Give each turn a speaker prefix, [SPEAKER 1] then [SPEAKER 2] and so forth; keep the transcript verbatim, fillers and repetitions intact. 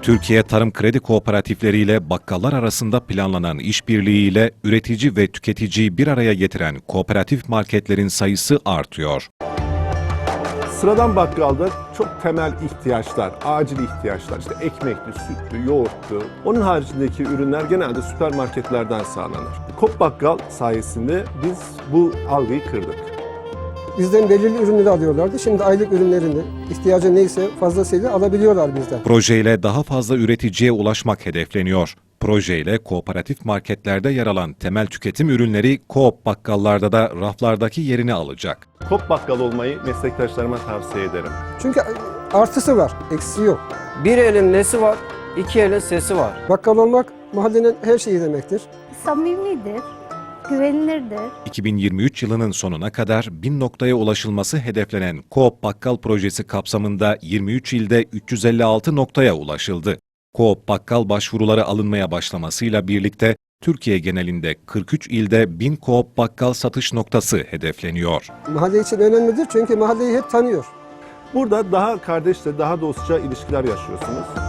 [SPEAKER 1] Türkiye Tarım Kredi Kooperatifleri ile bakkallar arasında planlanan işbirliğiyle üretici ve tüketiciyi bir araya getiren kooperatif marketlerin sayısı artıyor.
[SPEAKER 2] Sıradan bakkalda çok temel ihtiyaçlar, acil ihtiyaçlar, işte ekmekli, sütlü, yoğurtlu. Onun haricindeki ürünler genelde süpermarketlerden sağlanır. Coop Bakkal sayesinde biz bu algıyı kırdık.
[SPEAKER 3] Bizden belirli ürünleri alıyorlardı. Şimdi aylık ürünlerini, ihtiyacı neyse fazlasıyla alabiliyorlar bizden.
[SPEAKER 1] Projeyle daha fazla üreticiye ulaşmak hedefleniyor. Projeyle kooperatif marketlerde yer alan temel tüketim ürünleri Coop bakkallarda da raflardaki yerini alacak.
[SPEAKER 2] Coop Bakkal olmayı meslektaşlarıma tavsiye ederim.
[SPEAKER 3] Çünkü artısı var, eksiği yok.
[SPEAKER 4] Bir elin nesi var, iki elin sesi var.
[SPEAKER 3] Bakkal olmak mahallenin her şeyi demektir.
[SPEAKER 5] Samimidir, güvenilirdir.
[SPEAKER 1] iki bin yirmi üç yılının sonuna kadar bin noktaya ulaşılması hedeflenen Coop Bakkal projesi kapsamında yirmi üç ilde üç yüz elli altı noktaya ulaşıldı. Coop Bakkal başvuruları alınmaya başlamasıyla birlikte Türkiye genelinde kırk üç ilde bin Coop Bakkal satış noktası hedefleniyor.
[SPEAKER 3] Mahalle için önemlidir çünkü mahalleyi hep tanıyor.
[SPEAKER 2] Burada daha kardeşçe, daha dostça ilişkiler yaşıyorsunuz.